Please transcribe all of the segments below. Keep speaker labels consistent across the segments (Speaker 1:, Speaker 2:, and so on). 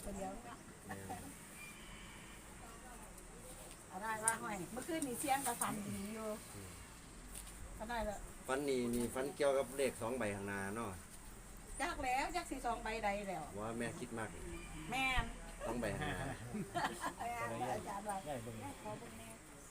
Speaker 1: ตัวเดียวเอาได้ว่าห้อยเมื่อคืนนี่เสียงกับฟันดีอยู่ก็ได้แล้ว
Speaker 2: ฟันนี่ฟันเกี่ยวกับเลข2 ใบข้างหน้าเนาะ
Speaker 1: จักแล้วจักสิ2 ใบใดแล้ว
Speaker 2: ว่าแม่คิดมาก
Speaker 1: แม่น
Speaker 2: 2 ใบข้างหน้า
Speaker 1: อาจารย์ว่าขอบุญแม่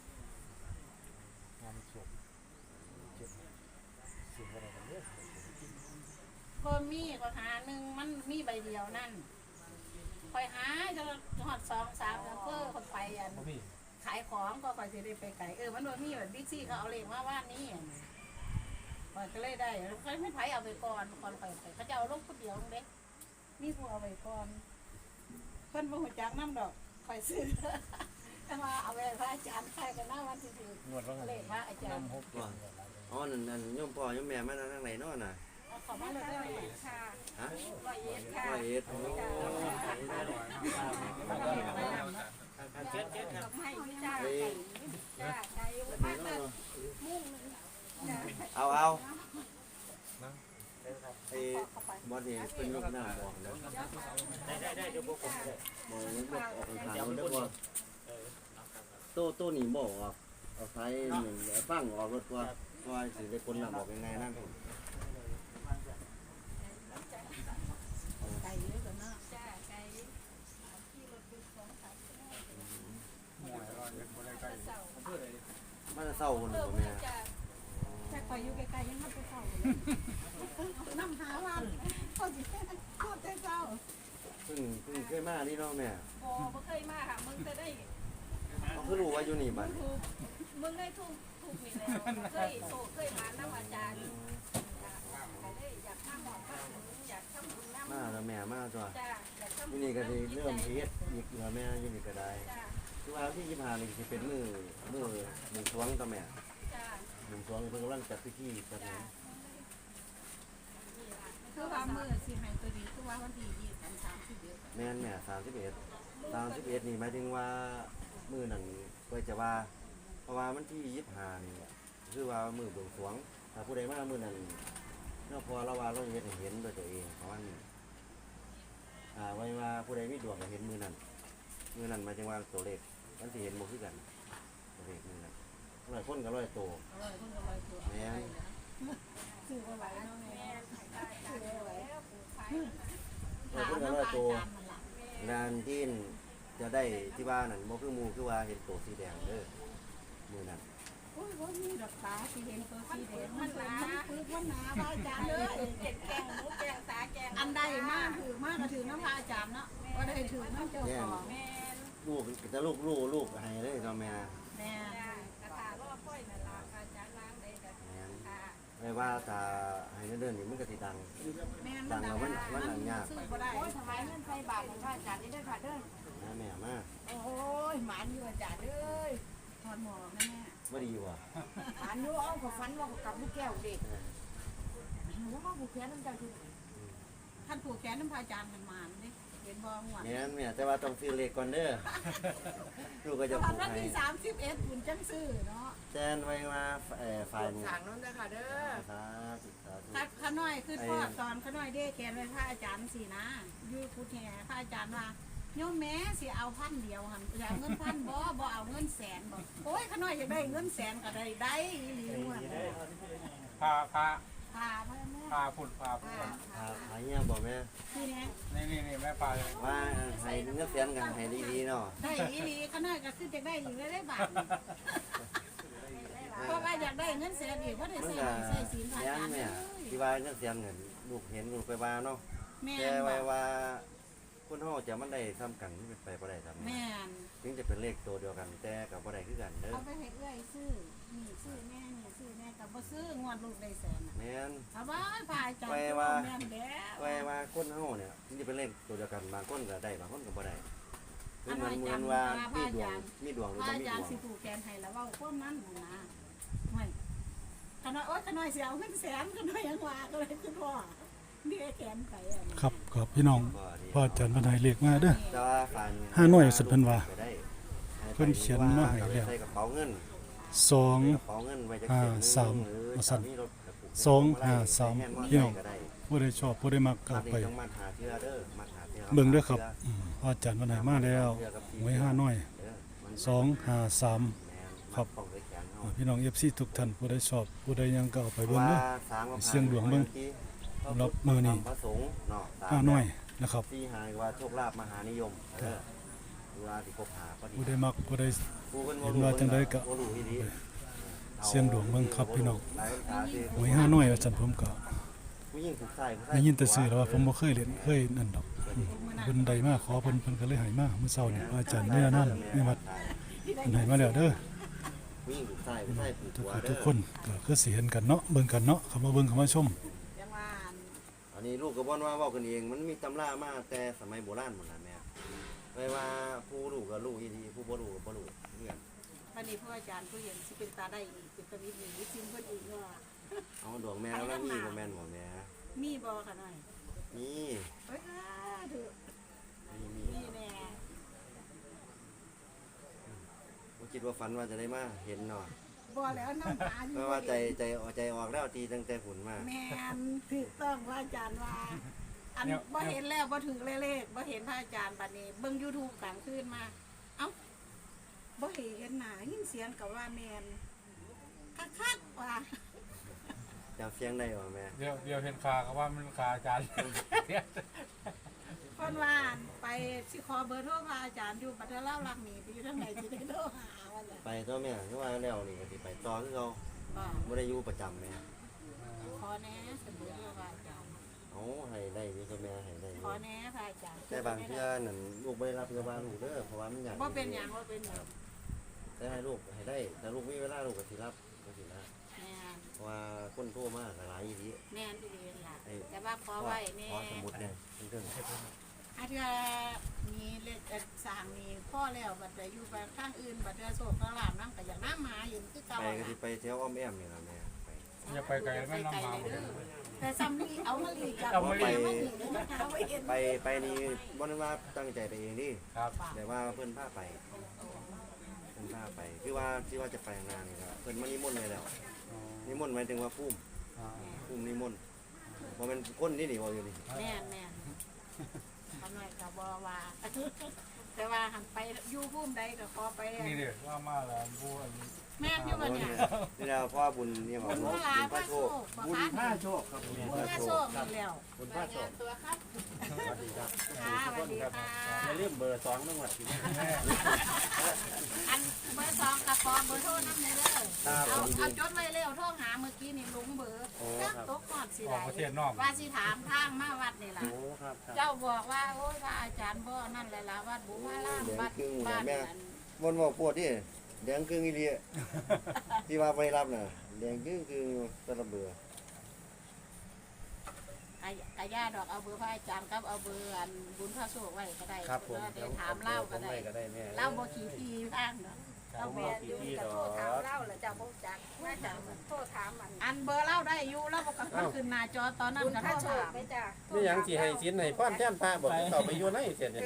Speaker 3: งานศพเจ็บสิ่งอะไรกันเนี่ย
Speaker 1: เพิ่มมีก็หาหนึ่งมันมีใบเดียวนั่นคอยหาจะหอด2 3แล้วเพื่อคนไปอันขายของก็คอยจะได้ไปไกลมันโดนมีแบบบิ๊กซี่เขาเอาเลขมาว่านี่ก็เลยได้เขาไม่ไผเอาไปก่อนไปเขาจะเอาลูกคนเดียวเด็กมีผู้เอาไปก่อนเพิ่นบ่ฮู้จักน้ำดอกคอยซื้อแต่ว่าเอาไปพระอาจารย์ใครกันหน้าวันที่ถือเลขพระอาจารย์
Speaker 2: อ๋อนั่นโยมพ่อโยมแม่มาทางไหนเนาะน่ะ
Speaker 1: ขอมาเลยได้ค่ะ
Speaker 2: ฮะ
Speaker 1: 100ค่ะ
Speaker 2: 100
Speaker 1: ครับให้จ้าไก่มาเถอะมุ่ง
Speaker 2: เอาไอ้บอสนี่เป็นลูกหน้าบอกนะ
Speaker 3: ได้เดี๋ยวพวกผมได้
Speaker 2: บอกออกทางแล้วบ่โต้นี่บอกเอาไฟหนึ่งฟังออกรถว่าสิได้คนละบอกยังไงนั่น
Speaker 1: ไก่เยอะกว่าน่ะจ้าไก่ที่รถดูของขาย
Speaker 2: มันจะเศร้าคนบ่แม่
Speaker 1: แต่คอยอยู่ไกลๆยังมันจะเศร้าน้ำหาว่าเขาสิโคตรเศร้า
Speaker 2: เพิ่งเคยมานี่เนาะแม่
Speaker 1: บ่เคยมาค่ะมึงจะได้
Speaker 2: เขาคือรู้ว่าอยู่นี่บัด
Speaker 1: มึงได้ถูกนี่แล้วเคยมาน้ำอาจารย์อยากทำหมอนอยากทำบุญน้ำ
Speaker 2: มาแล้วแม่มาจ้ะนี่ก็ได้เริ่มเฮ็ดอีกแล้วแม่อยู่นี่ก็ได้คือว่าที่25นี่สิเป็นมื้อ1 สวงต่อแม่1 สวงเพิ่นกำลังจัดพิธีจัดงาน
Speaker 1: คือว่ามื้อสิให้ตัวดีคือว่าวันที่31
Speaker 2: แม่นแม่31นี่หมายถึงว่ามื้อนั้นก็จะว่าเพราะว่ามันที่25นี่คือว่ามื้อบวงสรวงถ้าผู้ใดมามื้อนั้นเนาะพอเราว่าเราเฮ็ดให้เห็นด้วยตัวเองเพราะว่าไว้ว่าผู้ใดมีดวงก็เห็นมื้อนั้นหมายถึงว่าตัวเลขมันสิเห็นบ่คือกันตัวเลขมื้อนั้น100 คนก็100โตแม่น
Speaker 1: ซื้อบ่ไหวเนาะแม่ซื้อบ่ไหว
Speaker 2: 100 คนก็100โตงานที่จะได้ที่บ้านนั่นบ่คือหมู่คือว่าเห็นโตสีแดงเด้อมื้อนั้น
Speaker 1: โอ้ยบ่มีดอกตาสิเห็นตัวสีแดงมันหนาคือมันหนาพระอาจารย์เลยแกงหมูแกงตาแกงอันใดมากถือมากก็ถือน้ำพระอาจารย์เนาะบ่ได้ถือน้ำเจ้าของแม่
Speaker 2: ลูกจะลูกให้เลยเนาะแม่
Speaker 1: กระถารอค่อยนั่นล่ะอาจารย์ล้างได้ก็ค่ะ
Speaker 2: ไม่ว่าถ้าให้เดินนี่มันก็สิดังแล้วมันหนังยาก
Speaker 1: โอ้ยทำไมเงินใส่บาทของพระอาจารย์นี่ได้ค่ะเด้อ
Speaker 2: แม่มา
Speaker 1: โอ้ยหมานอยู่อาจารย์เอ้ยถอดหมอกนะแม่
Speaker 2: บ่ดีว่ะ
Speaker 1: หมานอยู่เอากับฟันว่ากับลูกแก้วเด็กแล้วก็ผูกแขนน้ำใจคือท่านผูกแขนน้ำพระอาจารย์มันมาเนี่ยเห็นบ่หวาน
Speaker 2: เนี่ยแต่ว่าต้องซื้อเลขก่อนเด้อลูกก็จะผูกให้
Speaker 1: วันที่31คุณจังซื้อเนาะ
Speaker 2: แจ้งไว้ว่าฝ่าย
Speaker 1: ทางนั้นนะคะเด้อ
Speaker 2: สาธุ
Speaker 1: ข้าน้อยคือพ่อตอนข้าน้อยเด้แขนไว้พระอาจารย์สินะอยู่พุทธแห่พระอาจารย์ว่าโยมแม่สิเอา1,000เดียวหั่นอยากเงิน1,000บ่เอาเงินแสนบ่โอ้ยข้าน้อยอยากได้เงินแสนก็ได้อีหลีม่วน
Speaker 3: พาพุ่น
Speaker 2: หายเงี้ยบอกแม่
Speaker 3: นี่แม่พา
Speaker 2: ว่าให้เงินแสนกันให้ดีๆเนาะ
Speaker 1: ได้อีหลีข้าน้อยก็คือจะได้อีกได้บาทเพราะว่าอยากได้เงินแสนอีกเพราะได้ใส่ศีลพระอาจารย์
Speaker 2: ที่ว่าเงินแสนเงินลูกเห็นลูกไปว่าเนาะแกไว้ว่าคนเฮาจะมันได้ทำกันเป็นไปบ่ได้ทำ
Speaker 1: แม่น
Speaker 2: ถึงจะเป็นเลขตัวเดียวกันแต่กับบ่ได้คือกันเด้อ
Speaker 1: เอาไปให้เอื้อยซื้อนี่ซื้อแม่นี่ซื้อแม่ก็บ่ซื้องวดลูกได้แสน
Speaker 2: แม่น
Speaker 1: เอาไว้พาจังแม่นแล้ว
Speaker 2: ไว้ว่าคนเฮาเนี่ยถึงจะเป็นเลขตัวเดียวกันบางคนก็ได้บางคนก็บ่ได้คือมันว่ามีดวงหรือบ่มีดวง
Speaker 1: อาจารย์สิผูกแขนให้แล้วเว้าพวกนั้นนะไม่ขน้อยโอ๊ยขน้อยสิเอาเงินแสนขน้อยยังว่าก็เลยคือพ่อ
Speaker 4: ครับพี่น้องพ่ออาจารย์บรรยายเลขมาเด้อ
Speaker 2: 5
Speaker 4: หน่วยสุดเพิ่นว่าเพิ่นเขียนมาให้แล้ว2 5 3พี่น้องผู้ใดชอบผู้ใดมักก็ไปเบิ่งเด้อครับพ่ออาจารย์วันไหนมาแล้วหวยห้าน้อย
Speaker 2: เด้อมัน
Speaker 4: 253
Speaker 2: แม่น
Speaker 4: ครับ
Speaker 2: ป้องไว้แขนเฮา
Speaker 4: พี่น้อง FC ทุกท่านผู้ใดชอบผู้ใดยังก็เอาไป
Speaker 2: เพ
Speaker 4: เบิ่
Speaker 2: ราะ
Speaker 4: ง
Speaker 2: ว่า
Speaker 4: เด้อ
Speaker 2: สามกับ
Speaker 4: เสี่ยงดวงเบิ่ง สำหรับมื้อนี้
Speaker 2: พระสงฆ์เนาะตาม
Speaker 4: ห้าน้อยนะครับ
Speaker 2: ที่หายว่าโชคลาภมหานิยมเวลาที่คบหาก็ดี
Speaker 4: ผู้ใดมักผู้ใด
Speaker 2: ผู้พิ่
Speaker 4: เห็นว่าจังใดก็
Speaker 2: บ่รู้อีหลี
Speaker 4: เสี่ยงดวงเบิ่งครับพี่น้อง
Speaker 2: หลายคนถามสิ
Speaker 4: หวยห้าน้อยอาจารย์ผมก็
Speaker 2: ผู้หญิงถูกใส่ผู้ชาย
Speaker 4: ได้ยินแต่ชื่อแล้วว่าผมบ่เคยเล่นเคยนั่นดอกเพิ่นได้มาขอเพิ่นก็เลยให้มามื้อเช้านี่อาจารย์เนี่ยนั่นนี่วัดเพิ่นให้มาแล้วเด้อ
Speaker 2: ผู้หญิงถูกใส่ผู้ชายถูก
Speaker 4: ทุก
Speaker 2: หัว
Speaker 4: คน
Speaker 2: เด้
Speaker 4: ทุ
Speaker 2: อก
Speaker 4: คนก็คือสิเห็นกันเนาะเบิ่งกันเนาะเข้ามาเบิ่งเข้ามาชม
Speaker 1: ยังว่า
Speaker 2: อันนี้ลูกก็บ่นว่าเว้ากันเองมันมีตำรามาแต่สมัยโบราณหมดล่ะแม่ไม่ว่าผู้รู้ก็รู้อีหลีผู้บ่รู้ก็บ่รู้เรื่อง
Speaker 1: วันนี้พ่ออาจารย์ผู้เห็นสิเป็นตาได้อีกเป็นตาวิทย์อีกซิมเพิ่นอีกว่า
Speaker 2: เอาดวงแม่แล้วมีบ่แม่นบ่แม่
Speaker 1: มีบ่ค่ะหน่อย
Speaker 2: มี
Speaker 1: เอ้ยดู
Speaker 2: มี
Speaker 1: มีแน่
Speaker 2: บ่คิดว่าฝันว่าจะได้มาเห็นเนาะ
Speaker 1: บ่แล้วน้ำตาอยู่
Speaker 2: เพราะว่าใจออกแล้วตีตั้งแต่ฝุ่นมา
Speaker 1: แม่นถูกต้องว่าอาจารย์ว่า อันบ่เห็นแล้วบ่ถึงเลขบ่เห็นพระอาจารย์บัดนี้เบิ่ง YouTube กลางคืนมาเอ้าบ่เห็นหน้ายินเสียงก็ว่าแม่นคักๆว่า
Speaker 2: จำเสียงได้บ่แม่
Speaker 3: เดี๋ยวเห็นขาก็ว่ามันขาอาจารย์
Speaker 1: เพิ่นว่าไปสิขอเบอร์โทรพระอาจารย์อยู่บัดเล่ารักหนีไปอยู่ทางไหนสิได้โทรหาว่าล่ะ
Speaker 2: ไปตัวแม่คือว่าแล้วนี่ก็สิไปต่อคือเขา
Speaker 1: บ่
Speaker 2: บ่ได้อยู่ประจำแม่
Speaker 1: ขอแน่เสมอพระอาจารย์
Speaker 2: เอาให้ได้อยู่ตัวแม่ให้ได้อยู่
Speaker 1: ขอแน่พระอาจารย์
Speaker 2: แต่บางเทื่อนั่นลูกบ่ได้รับเงินว่าลูกเด้อเพราะว่ามันยาก
Speaker 1: บ่เป็นหยังบ่เป็นหยัง
Speaker 2: แต่ให้ลูกให้ได้แต่ลูกมีเวลาลูกก็สิรับก็สินะ
Speaker 1: แม่น
Speaker 2: เพราะว่าคนโทรมาก็หลายอีหลี
Speaker 1: แม่นอีหลีล่ะแต่ว่าขอไว้แน่
Speaker 2: ขอสมุดเนี่ยเรื่อง
Speaker 1: อาเทื่อมีเลขสร้างนี่พ่อแล้วบัดไปอยู่ไปทางอื่นบัดเทื่อโศกลาบนำก็อยากนำมาอยู่คือเก่า
Speaker 2: ไปก็
Speaker 1: ล่ะ
Speaker 2: สิไปแถวอ้อมแอมนี่ล่ะแม่ไป
Speaker 3: อย่าไปไกลแม่น้ำหมา
Speaker 1: แต่ซ้ำนี่เอามาลีจาก
Speaker 3: เอามาลี
Speaker 1: มาลีเลยนะคะไว้เห็น
Speaker 2: ไปนี่บ่ได้ว่าตั้งใจไปเองนี่
Speaker 3: ครับ
Speaker 2: แต่ว่าเพิ่นพาไปเพิ่นพาไปคือว่าที่ว่าจะไปงานนี่ก็เพิ่นมานิมนต์ไว้แล้วนิมนต์หมายถึงว่าภูมินิมนต์บ่แม่นคนนี่นี่บ่อยู่นี่
Speaker 1: แม่นแม่นทำหน่อยก็บ่ว่า แต่ว่าหันไปอยู่ภูมิใดก็ขอไป
Speaker 3: นี่เดี๋ยวว่ามาแล้วบูอัน
Speaker 1: แม่นอยู่บ่เนี่ย
Speaker 2: นี่แล้วพ่อบุญเนี่ยของ
Speaker 1: บุญ
Speaker 2: บุญ
Speaker 1: พลา
Speaker 2: พระโชค
Speaker 1: บุญพระโชค
Speaker 2: ครับ
Speaker 1: บุญพระโชคนี่แล้ว
Speaker 2: บุญพระโชค
Speaker 1: ตัวครับ
Speaker 2: สวัสดีครับ
Speaker 1: ค่ะสวัสดีค่ะ
Speaker 2: อย่าลืมเบอร์2จังหวัดที่นี่
Speaker 1: อันเบอร์2กับขอเบอร์โทรนำได้เด้อเอาจดไว้เร็วโทรหาเมื่อกี้นี่ลุงเบอร์จักตกฮอดสิ
Speaker 3: ออ
Speaker 1: ได้
Speaker 3: กประเทศนอก
Speaker 1: ว่าสิถามทางมาวัดนี่ล่ะ
Speaker 2: โอ้ครับครับ
Speaker 1: เจ้าบอกว่าโอ้ยพระอาจารย์บ่นั่นแหละล่ะวัดบุพารามวัดบ้านนั่น
Speaker 2: บนบอกปวดที่แดงครึ่งอีเลียที่ว่าไปรับน่ะแดงครึ่งคือตะระเบือ
Speaker 1: กะย่าดอกเอาเบอร์พระอาจารย์กับเอาเบอร์อันบุญพระโชคไว้ก็ได้
Speaker 2: ครับผม
Speaker 1: แล้วได้ถามเล่าก็ได้
Speaker 2: ก็ได้แม่
Speaker 1: เล่าบ่ขี้ทีทางเนาะเราแม่อยู่กับโทรถามเล่าแล้วเจ้าบ่จักว่าจังโทรถามอันเบอร์เล่าได้อยู่แล้วบ่ก็ขึ้นหน้าจอตอนนั้นก็โทรถาม
Speaker 5: นี่ยังสิให้สินให้พ่อนแท่นพระบอกต่อไปอยู่ในเสียเนี่ย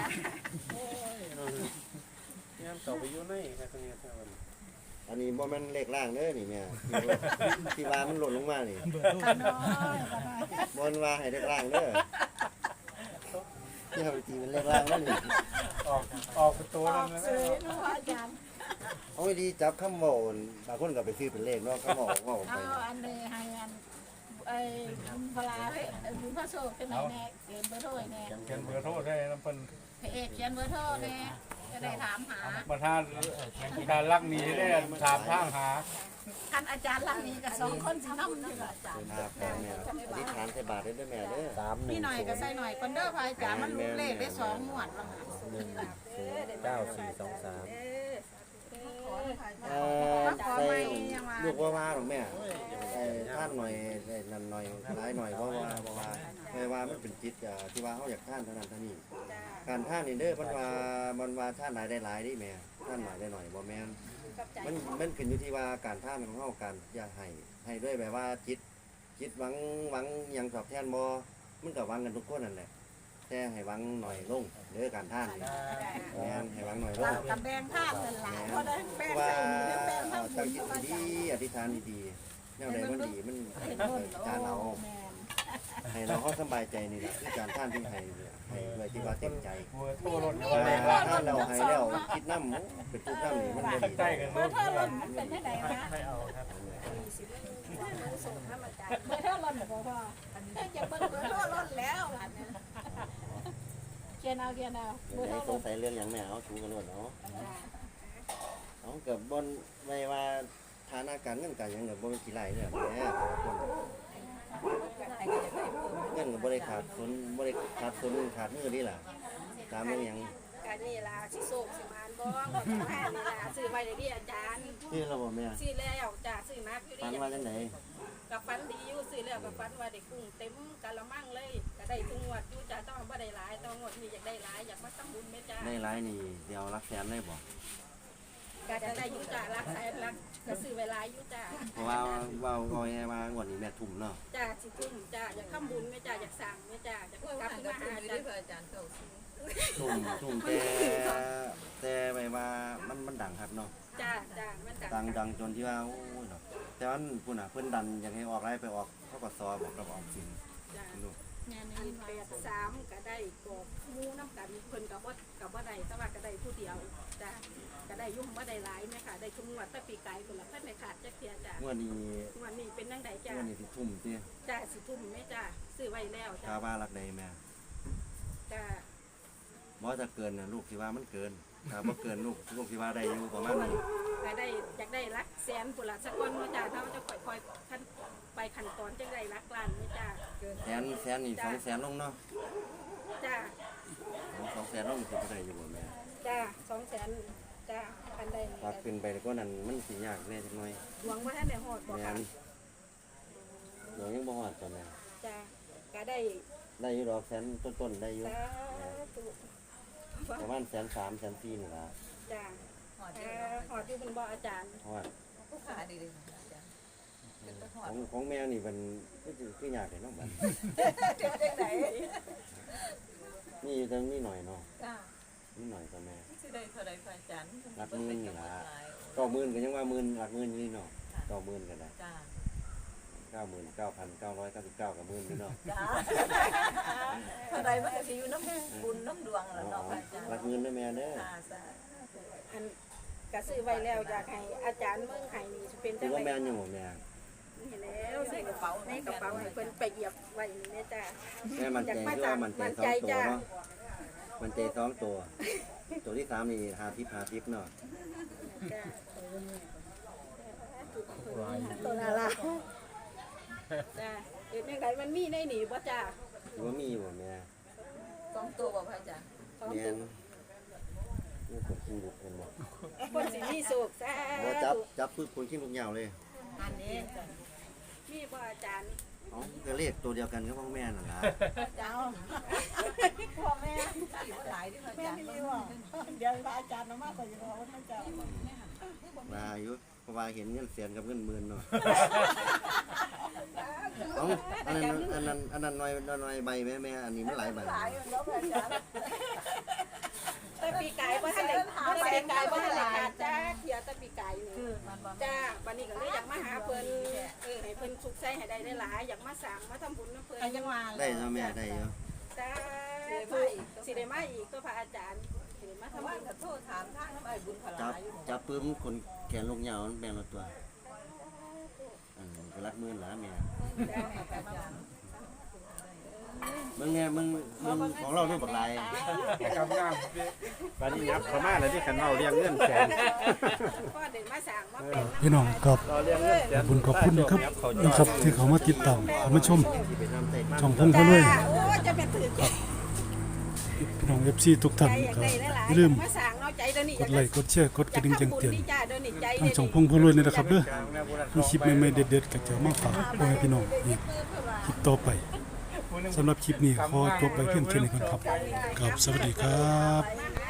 Speaker 5: ยามต่อไปอยู่ในแค่ตรงนี้เท่านั้น
Speaker 2: อันนี้บ่แม่นเลขล่างเด้อนี่แม่ที่ว่ามันหล่นลงมานี่
Speaker 1: ขน้อย
Speaker 2: บ่นว่าให้เลขล่างเด้อที่เอาไปตีเป็นเลขล่างแล้วนี่
Speaker 3: ออกประตู
Speaker 1: อ
Speaker 3: นั่
Speaker 1: อน ก
Speaker 3: นะ
Speaker 1: สื่อเนาะอาจารย์
Speaker 2: เอาไว้ดีจับคำเว้าบางคนก็ไปซื้อเป็นเลขเนาะคำเว้าเว้าไป
Speaker 1: เอาอันนี้ให้อันไอ้บุญพลาบุญพระโชคเป็นไหนแน่เขียนเบอร์โทรแน่
Speaker 3: เขียนเบอร์โทรได้น้ำเปิ้ล
Speaker 1: พระเอกเขียนเบอร์โทรแน่จะได้ถามหา
Speaker 3: ประธานรักหนีได้ถามทางหา
Speaker 1: ท่านอาจารย์หลังนี้กับ2คนสินำอยู่อาจารย์
Speaker 2: ครับแม่อธิษฐานใส่บาตรได้อแม่เด้อ
Speaker 1: นี่หน่อยก็ใส่หน่อยคนเด้อพระอาจารย์มันรู้เลขได้2งวดแล้ว
Speaker 5: 9423
Speaker 2: ใส่ลูกว่าหรอกแม่ท่านหน่อยนั่นหน่อยหลายหน่อยเพราะว่าไม่ว่ามันเป็นจิตที่ว่าเขาอยากท่านเท่านั้นเท่านี้การท่านนี่เด้อมันว่าท่านหลายได้หลายนี่แม่ท่านหน่อยได้หน่อยบ่แม่นมันขึ้นอยู่ที่ว่าการท่านของเฮากันอย่าให้ด้วยแบบว่าจิตหวังยังตอบแทนบ่มันก็หวังกันทุกคนนั่นแหละแต่ให้หวังหน่อยลงเด้อการท่านนี่แม่นให้หวังหน่อยลง
Speaker 1: กับแบงท่านนั่นล่ะเพราะได้แบง
Speaker 2: ว่า
Speaker 1: ใส่นี่แล้วแบงทั้งบุ
Speaker 2: ตั้ง
Speaker 1: ญ
Speaker 2: จิต
Speaker 1: พระอา
Speaker 2: ดี
Speaker 1: จารย์
Speaker 2: อธิษฐานดีๆแนวใดมันดีมัน
Speaker 1: เห็นบุญ
Speaker 2: จานเรา
Speaker 1: แม่น
Speaker 2: ให้เราเขาสบายใจนี่แหละคือการท่านที่ให้เนี่ยให้ให้ด้วยที่ว่าเต็มใจ
Speaker 3: บัวโทรรถ
Speaker 2: ถ้าเราให้แล้วคิดน้ำเป็นปุ๊บน้ำนี่มันบ่ดี
Speaker 3: ใกล้กัน
Speaker 1: เบอร์เท่าหล่นมันเป็นที่ไหนคะ
Speaker 3: ให้เอาครับ
Speaker 1: เบอร์เท่าหล่นบอกว่าจะเบอร์เท่าหล่นแล้วเขียนเอาเบอร์
Speaker 2: ให้
Speaker 1: เท่าห
Speaker 2: ส
Speaker 1: ล่
Speaker 2: ง
Speaker 1: น
Speaker 2: สัยเรื่องอย่างแม่เอาชูกันรวดเนาะเอาเกิดบนไม่ว่าฐานะการเงินการยังเกิดบนกี่ไรเนี่ยแม่เงินกับบริขาดคนบริขาดคนขาดมือนี่แหละตามเรื่องยัง
Speaker 1: การนี่ล่ะสิโศกสิมานบ่บ่ต้องหานี่ล่ะซื้อไว้ได้ดีอาจารย์
Speaker 2: ที่เราบอกแม่
Speaker 1: ซื้อแล้วจ้าซื้อมาคือ
Speaker 2: ฟัน
Speaker 1: ดี
Speaker 2: ว่าจังไหน
Speaker 1: กับฟันดีอยู่ซื้อแล้วกับฟันว่าได้กุ้งเต็มกะละมังเลยก็ได้ทุกงวดอยู่จ้าต้องบ่ได้หลายต้องงวดนี้อยากได้หลายอยากมาทำบุญแม่จ้า
Speaker 2: ได้ร้ายนี่เดี๋ยวรักแสนได้บอก
Speaker 1: ก็จะได้อยู่จ้ารักแสนรักก็ซื้อไว้หลายอยู่จ้า
Speaker 2: เพราะว่าไงว่างวดนี้แม่ทุ่มเนาะ
Speaker 1: จ้าสิทุ่มจ้าอยากทำบุญแม่จ้าอยากสั่งแม่จ้าอยากกลับมาหาจ้า
Speaker 2: ทุ่มแต่ไปว่ามันดังครับเนาะ
Speaker 1: จ้ามัน
Speaker 2: ดังจนที่ว่าโอ้ยเนาะแต่ว่าพุ่นน่ะเพิ่นดันอยากให้ออกไรไปออกเขาก็ซอบอกกับออกสิน
Speaker 1: จ้า
Speaker 2: ลูก
Speaker 1: อัน83ก็ได้กอกหมู่น้ำกันเพิ่นก็บ่ได้แต่ว่าก็ได้ผู้เดียวจ้าก็ได้ยุ่งบ่ได้หลายแม่ค่ะได้ทุกงวดแต่ปีไก่พุ่นละเพิ่นไม่ขาดจักเที่ยจ้าง
Speaker 2: วดนี้
Speaker 1: งวดนี้เป็นจังไดจ้าง
Speaker 2: วดนี้สิทุ่มติ
Speaker 1: จ้าสิทุ่มแม่จ้าซื้อไว้แล้วจ้า
Speaker 2: ถ้าว่ารักใดแม่
Speaker 1: จ้า
Speaker 2: บ่จะเกินน่ะลูกสิว่ามันเกินถ้าบ่เกินลูกสิว่าได้อยู่ประมาณนี้
Speaker 1: ก็ได้อยากได้รักแสนพุ่นละสักคนแม่จ้าเฮาจะค่อยๆขั้นไปขั้นตอนจังไดรักล้านแม่จ้า
Speaker 2: แสนนี่200,000ลงเนาะ
Speaker 1: จ้า
Speaker 2: 200,000ลงสิบ่ได้อยู่บ่แม่
Speaker 1: จ้า200,000จ้าคันใด
Speaker 2: ถ้าขึ้นไปก็นั้นมันสิยากแน่จักหน่อย
Speaker 1: หวงว่าท่านได้ฮอดบ่
Speaker 2: แม่
Speaker 1: ค่ะ
Speaker 2: นเดี๋ยวยังบ่ฮอดตัวแม่
Speaker 1: จ้าก็ได้
Speaker 2: ได้อยู่ดอกแสนต้นๆได้อยู่
Speaker 1: สาธุ
Speaker 2: ประมาณ1,300,000 1,400,000นี่ล่ะ
Speaker 1: จ้าฮอดอยู่เป็นบ่อาจารย์
Speaker 2: เพราะว่า
Speaker 6: ผู้ขาดีเลยอาจารย์
Speaker 2: ของแม่นี่มันคือยากเลยเนาะบัด
Speaker 6: เดี๋ยวจังไหน
Speaker 2: นี่อยู่ตรงนี้หน่อยเนาะ
Speaker 6: จ้า
Speaker 2: นี่หน่อยตัวแม่
Speaker 6: สิได้เท่าใดพระอาจารย์
Speaker 2: รักมือนี่ล่ะ90,000ก็ยังว่าหมื่นหลักหมื่นอยู่นี่เนาะ90,000ก็ได้
Speaker 6: จ้า
Speaker 2: 99,999กับหมื่นนี่เนาะ
Speaker 6: จ้าเท่าใดมันก็สิอยู่น้ำบุญน้ำดวงล่ะเนาะพระอาจารย์
Speaker 2: รักเงินด้วยแม่เด้อ
Speaker 6: จ้าสา
Speaker 1: อันก็ซื้อไว้แล้วอยากให้อาจารย์เมืองไห้นี่สิเป็น
Speaker 2: ถื
Speaker 1: จั
Speaker 2: อง ว่า
Speaker 1: ได
Speaker 2: แม่นอยู่บ่แม่
Speaker 1: นี่แล้วใส่กระเป๋าให้เพิ่นไปเหยียบไว้นี่แม่จ้า
Speaker 2: แม่มันใจคือว่ามันใจ2ตัวเนาะมันใจ2ตัวตัวที่3นี่50เนาะ
Speaker 1: จ้าตัวน่ารักจ้าเฮ็ดจังไดมันมีได้หนีบ่จ้า
Speaker 2: ถือว่ามีบ่แม่
Speaker 6: 2ตัวบ่พระอาจารย์
Speaker 2: แม่นนี่คนขี้ลุกเห็นบ่
Speaker 1: คนสิมีสุขจ้า
Speaker 2: บ่จับปึ๊บคนขี้ลุกยาวเลย
Speaker 6: อันนี้
Speaker 1: มีบ่อาจารย์
Speaker 2: เอ้าก็เลขตัวเดียวกันกับของแม่นั่นล่ะ
Speaker 1: เจ้า
Speaker 6: พ่อแม่สิบ่หลายที่พระอาจารย์
Speaker 1: เดี๋ยวอาจารย์มาก็สิบอกว่าเจ้า
Speaker 2: ว่าอยู่เพราะว่าเห็นเงินแสนกับเงินหมื่นเนาะเอ้าอันนั้นน้อยใบแม่อันนี้มันหลายใบ
Speaker 6: หลายเนาะพระอาจารย์
Speaker 1: แต่ปีกายบ่ทันได้ปีกายบ่ทันได้ขาดจ้าเที่ยแต่ปีกายนี่
Speaker 6: คือมันบ่
Speaker 1: จ้าวันนี้ก็เลยอยากมาหาเพิ่นให้เพิ่นสุขใจให้ได้หลายๆอยากมาสร้างมาทำบุญนำเพิ่นจังว่า
Speaker 2: ได้เนาะแม่ได้อยู่
Speaker 1: จ้าสิได้มาอีกก็พระอาจารย์สิได้มาทำ
Speaker 6: ว่า
Speaker 1: บุญ
Speaker 6: ก็โทษถามทางน้ำไอ้บุญพลาอยู่
Speaker 2: จับปึ้มคนแขนลงยาวมันแบ่งละตัวก็รักหมื่นหลาแม่มึงเนี่ยมึงของเราเนี่ยบักลาย
Speaker 5: กำลังบัดนี้ยับเข้ามาแล้วที่ขันเมาเรียงเงินแสน
Speaker 1: ก็ได้มาสร้างมาเป็น
Speaker 4: พี่น้องครับ
Speaker 5: รอเรียงเงินแสน
Speaker 4: ขอบคุณนะครับที่เขามาติดตามเขามาชม
Speaker 2: ที่ไปทำใส่
Speaker 4: ช่องพงเขาเลย
Speaker 1: โอ้จะเป็นถือใจ
Speaker 4: พี่น้อง FC ทุกท่าน
Speaker 1: อยาก
Speaker 4: ครับ
Speaker 1: ได้หลาย
Speaker 4: อย่า
Speaker 1: ๆ
Speaker 4: ลืม
Speaker 1: มาสร้างเอาใจเดี๋ยวนี้
Speaker 4: กดไลค์กดแชร์กดกระดิ่งแจ้งเตือน
Speaker 1: จ้าเดี๋ยวนี้ใจ
Speaker 4: ทางช่องพงเขาเลยนะครับเด้อมีคลิปใหม่ๆเด็ดๆก็จะมาฝากพ่อแม่พี่น้องอีกคลิปต่อไปสำหรับคลิปนี้ขอจบไปเพียงแค่นี้ก่อนครับครับสวัสดีครับ
Speaker 1: มาหา